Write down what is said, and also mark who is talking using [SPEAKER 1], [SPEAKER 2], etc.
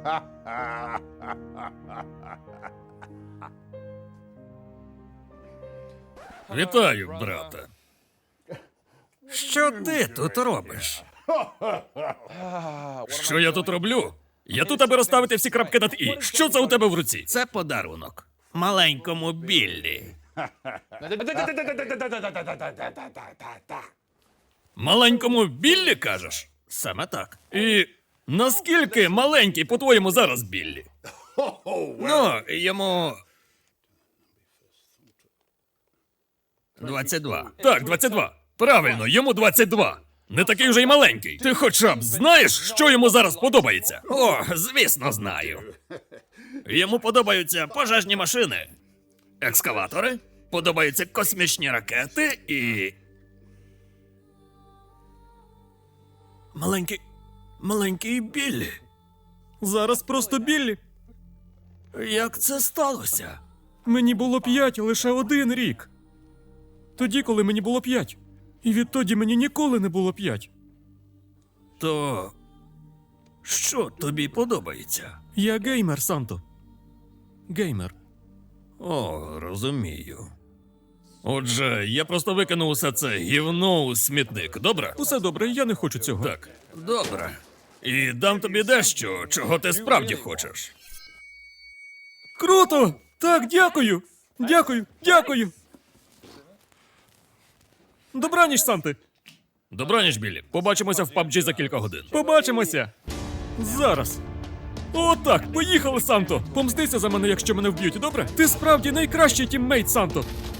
[SPEAKER 1] Вітаю, брате. Що ти тут робиш? Що я тут роблю? Я тут, аби розставити всі крапки над «і». Що це у тебе в руці? Це подарунок. Маленькому Біллі. Маленькому Біллі, кажеш? Саме так. І наскільки маленький, по-твоєму, зараз Біллі? Ну, йому... 22. Так, 22. Правильно, йому 22. Не такий вже й маленький. Ти хоча б знаєш, що йому зараз подобається? О, звісно, знаю. Йому подобаються пожежні машини, екскаватори, подобаються космічні ракети і... Маленький Біллі. Зараз просто Біллі. Як це сталося? Мені було 5 лише 1 рік. Тоді, коли мені було 5. І відтоді мені ніколи не було 5. То... що тобі подобається? Я геймер, Санто. Геймер. О, розумію. Отже, я просто викинув усе це гівно у смітник, добре? Усе добре, я не хочу цього. Так, добре. І дам тобі дещо, чого ти справді хочеш. Круто! Так, дякую! Дякую! Добраніч, Санти! Добраніч, Біллі. Побачимося в PUBG за кілька годин. Побачимося! Зараз! О, так, поїхали, Санто! Помстися за мене, якщо мене вб'ють, добре? Ти справді найкращий тіммейт, Санто!